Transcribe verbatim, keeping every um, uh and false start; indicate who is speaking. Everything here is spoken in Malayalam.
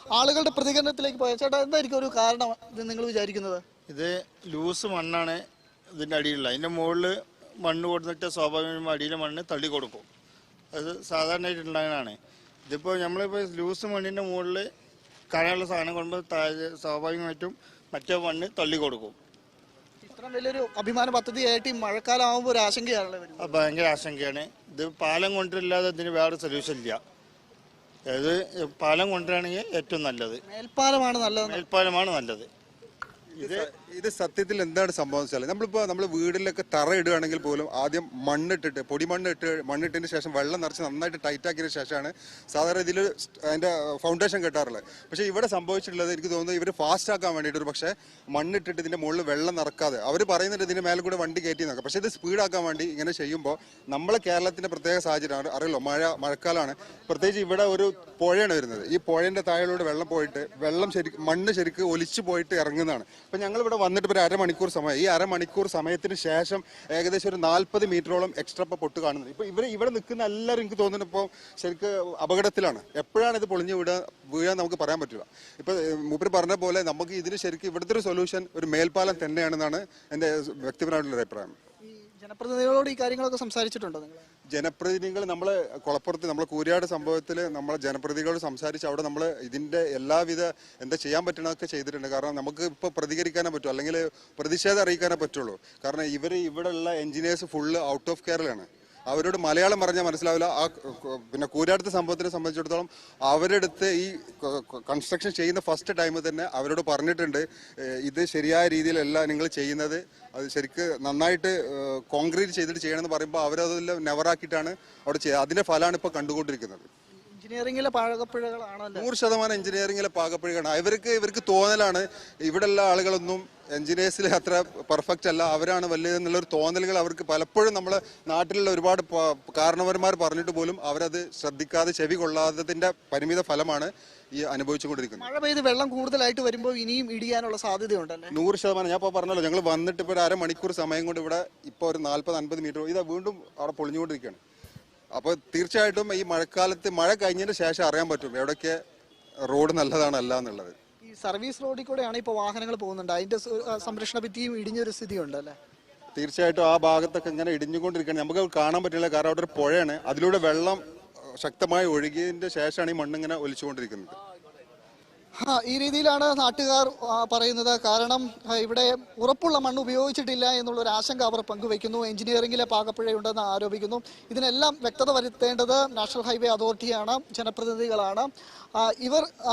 Speaker 1: ആളുകളുടെ പ്രതികരണത്തിലേക്ക് പോയ ചേട്ടാ എന്തായിരിക്കും ഒരു കാരണം ഇത് നിങ്ങൾ വിചാരിക്കുന്നത്?
Speaker 2: ഇത് ലൂസ് മണ്ണാണ് ഇതിൻ്റെ അടിയിലുള്ള. അതിൻ്റെ മുകളിൽ മണ്ണ് കൊടുത്തിട്ട് സ്വാഭാവികമായും അടിയിലെ മണ്ണ് തള്ളി കൊടുക്കും. അത് സാധാരണയായിട്ട് ഉണ്ടാകുന്നതാണ്. ഇതിപ്പോൾ നമ്മളിപ്പോൾ ലൂസ് മണ്ണിൻ്റെ മുകളിൽ കനമുള്ള സാധനം കൊണ്ട് താഴെ സ്വാഭാവികമായിട്ടും മറ്റേ മണ്ണ് തള്ളി കൊടുക്കും.
Speaker 1: ഇത്ര വലിയൊരു അഭിമാന പദ്ധതിയായിട്ട് ഈ മഴക്കാലം ആകുമ്പോൾ ഒരു ആശങ്കയാണല്ലോ വരുന്നത്.
Speaker 2: അത് ഭയങ്കര ആശങ്കയാണ്. ഇത് പാലം കൊണ്ടില്ലാതെ ഇതിന് വേറെ സൊല്യൂഷൻ ഇല്ല. അതായത് പാലം കൊണ്ടുവരികയാണെങ്കിൽ ഏറ്റവും നല്ലത്
Speaker 1: മേൽപ്പാലമാണ് നല്ലത്.
Speaker 2: മേൽപ്പാലമാണ് നല്ലത്.
Speaker 3: ഇത് ഇത് സത്യത്തിൽ എന്താണ് സംഭവം വെച്ചാൽ നമ്മളിപ്പോൾ നമ്മൾ വീടിലൊക്കെ തറ ഇടുകയാണെങ്കിൽ പോലും ആദ്യം മണ്ണിട്ടിട്ട് പൊടി മണ്ണിട്ട് മണ്ണിട്ടതിന് ശേഷം വെള്ളം നിറച്ച് നന്നായിട്ട് ടൈറ്റ് ആക്കിയതിന് ശേഷമാണ് സാധാരണ ഇതിൽ അതിൻ്റെ ഫൗണ്ടേഷൻ കെട്ടാറുള്ളത്. പക്ഷേ ഇവിടെ സംഭവിച്ചിട്ടുള്ളത് എനിക്ക് തോന്നുന്നത് ഇവർ ഫാസ്റ്റ് ആക്കാൻ വേണ്ടിയിട്ട് ഒരു പക്ഷേ മണ്ണിട്ടിട്ട് ഇതിൻ്റെ മുകളിൽ വെള്ളം നിറക്കാതെ അവർ പറയുന്നുണ്ട് ഇതിൻ്റെ മേലെ കൂടെ വണ്ടി കയറ്റി നോക്കാം. പക്ഷേ ഇത് സ്പീഡാക്കാൻ വേണ്ടി ഇങ്ങനെ ചെയ്യുമ്പോൾ നമ്മളെ കേരളത്തിൻ്റെ പ്രത്യേക സാഹചര്യമാണ് അറിയല്ലോ. മഴ മഴക്കാലമാണ്. പ്രത്യേകിച്ച് ഇവിടെ ഒരു പുഴയാണ് വരുന്നത്. ഈ പുഴേൻ്റെ താഴെയിലൂടെ വെള്ളം പോയിട്ട് വെള്ളം ശരിക്കും മണ്ണ് ശരിക്കും ഒലിച്ചു പോയിട്ട് ഇറങ്ങുന്നതാണ്. അപ്പം ഞങ്ങളിവിടെ വന്നിട്ട് ഒരു അരമണിക്കൂർ സമയം ഈ അരമണിക്കൂർ സമയത്തിന് ശേഷം ഏകദേശം ഒരു നാൽപ്പത് മീറ്ററോളം എക്സ്ട്രാ ഇപ്പോൾ പൊട്ട് കാണുന്നത്. ഇപ്പോൾ ഇവർ ഇവിടെ നിൽക്കുന്ന എല്ലാവരും എനിക്ക് തോന്നുന്നു ഇപ്പോൾ ശരിക്കും അപകടത്തിലാണ്. എപ്പോഴാണ് ഇത് പൊളിഞ്ഞ് വീഴുക വീഴാൻ നമുക്ക് പറയാൻ പറ്റില്ല. ഇപ്പോൾ മൂപ്പര് പറഞ്ഞ പോലെ നമുക്ക് ഇതിന് ശരിക്കും ഇവിടുത്തെ ഒരു സൊല്യൂഷൻ ഒരു മേൽപ്പാലം തന്നെയാണെന്നാണ് എൻ്റെ വ്യക്തിപരമായിട്ടുള്ള അഭിപ്രായം.
Speaker 1: ജനപ്രതിനിധികളോട് ഈ കാര്യങ്ങളൊക്കെ സംസാരിച്ചിട്ടുണ്ടോ നിങ്ങൾ?
Speaker 3: ജനപ്രതിനിധികൾ നമ്മളെ കുളപ്പുറത്ത് നമ്മളെ കൂരിയാട് സംഭവത്തിൽ നമ്മളെ ജനപ്രതിനിധികളോട് സംസാരിച്ച് അവിടെ നമ്മൾ ഇതിൻ്റെ എല്ലാവിധ എന്താ ചെയ്യാൻ പറ്റണതൊക്കെ ചെയ്തിട്ടുണ്ട്. കാരണം നമുക്ക് ഇപ്പോൾ പ്രതികരിക്കാനേ പറ്റൂ, അല്ലെങ്കിൽ പ്രതിഷേധം അറിയിക്കാനേ പറ്റുള്ളൂ. കാരണം ഇവർ ഇവിടെയുള്ള എഞ്ചിനീയേഴ്സ് ഫുള്ള് ഔട്ട് ഓഫ് കേരളയാണ്. അവരോട് മലയാളം പറഞ്ഞാൽ മനസ്സിലാവില്ല. ആ പിന്നെ കൂരാടുത്ത സംഭവത്തിനെ സംബന്ധിച്ചിടത്തോളം അവരെടുത്ത് ഈ കൺസ്ട്രക്ഷൻ ചെയ്യുന്ന ഫസ്റ്റ് ടൈമിൽ തന്നെ അവരോട് പറഞ്ഞിട്ടുണ്ട് ഇത് ശരിയായ രീതിയിലല്ല നിങ്ങൾ ചെയ്യുന്നത്, അത് ശരിക്ക് നന്നായിട്ട് കോൺക്രീറ്റ് ചെയ്തിട്ട് ചെയ്യണമെന്ന് പറയുമ്പോൾ അവരതെല്ലാം നെവറാക്കിയിട്ടാണ് അവിടെ ചെയ്യുക. അതിൻ്റെ ഫലമാണ് ഇപ്പോൾ കണ്ടുകൊണ്ടിരിക്കുന്നത്.
Speaker 1: എഞ്ചിനീയറിംഗിലെ പാകപ്പിഴകളാണല്ലോ.
Speaker 3: നൂറ് ശതമാനം എഞ്ചിനീയറിംഗിലെ പാകപ്പിഴകളാണ്. ഇവർക്ക് ഇവർക്ക് തോന്നലാണ് ഇവിടെയുള്ള ആളുകളൊന്നും എഞ്ചിനീയേഴ്സിൽ അത്ര പെർഫെക്റ്റ് അല്ല, അവരാണ് വലിയതെന്നുള്ളൊരു തോന്നലുകൾ അവർക്ക് പലപ്പോഴും നമ്മളെ നാട്ടിലുള്ള ഒരുപാട് കാരണവന്മാർ പറഞ്ഞിട്ട് പോലും അവരത് ശ്രദ്ധിക്കാതെ ചെവി കൊള്ളാത്തതിൻ്റെ പരിമിത ഫലമാണ് ഈ അനുഭവിച്ചുകൊണ്ടിരിക്കുന്നത്.
Speaker 1: മഴ പെയ്ത് വെള്ളം കൂടുതലായിട്ട് വരുമ്പോൾ ഇനിയും ഇടിയാനുള്ള സാധ്യതയുണ്ടല്ലേ?
Speaker 3: നൂറ് ശതമാനം. ഞാൻ ഇപ്പോൾ പറഞ്ഞല്ലോ, ഞങ്ങൾ വന്നിട്ട് ഇപ്പോൾ ഒരു അരമണിക്കൂർ സമയം കൊണ്ട് ഇവിടെ ഇപ്പോൾ ഒരു നാൽപ്പത് അൻപത് മീറ്റർ ഇതാ വീണ്ടും അവിടെ പൊളിഞ്ഞുകൊണ്ടിരിക്കുകയാണ്. അപ്പോൾ തീർച്ചയായിട്ടും ഈ മഴക്കാലത്ത് മഴ കഴിഞ്ഞതിന് ശേഷം അറിയാൻ പറ്റും എവിടെയൊക്കെ റോഡ് നല്ലതാണ് അല്ല എന്നുള്ളത്.
Speaker 1: ഈ സർവീസ് റോഡിൽ കൂടെയാണ് ഇപ്പോൾ വാഹനങ്ങൾ പോകുന്നുണ്ട്, അതിന്റെ സംരക്ഷണ ഭിത്തിയും ഇടിഞ്ഞൊരു സ്ഥിതി ഉണ്ടല്ലേ?
Speaker 3: തീർച്ചയായിട്ടും ആ ഭാഗത്തൊക്കെ ഇങ്ങനെ ഇടിഞ്ഞുകൊണ്ടിരിക്കുകയാണ്. നമുക്ക് കാണാൻ പറ്റില്ല, കാരണം അവിടെ ഒരു പുഴയാണ്, അതിലൂടെ വെള്ളം ശക്തമായി ഒഴുകിയതിന്റെ ശേഷമാണ് ഈ മണ്ണിങ്ങനെ ഒലിച്ചുകൊണ്ടിരിക്കുന്നത്.
Speaker 1: ഈ രീതിയിലാണ് നാട്ടുകാർ പറയുന്നത്. കാരണം ഇവിടെ ഉറപ്പുള്ള മണ്ണ് ഉപയോഗിച്ചിട്ടില്ല എന്നുള്ളൊരു ആശങ്ക അവർ പങ്കുവയ്ക്കുന്നു. എഞ്ചിനീയറിംഗിലെ പാകപ്പിഴയുണ്ടെന്ന് ആരോപിക്കുന്നു. ഇതിനെല്ലാം വ്യക്തത വരുത്തേണ്ടത് നാഷണൽ ഹൈവേ അതോറിറ്റിയാണ്, ജനപ്രതിനിധികളാണ്. ഇവർ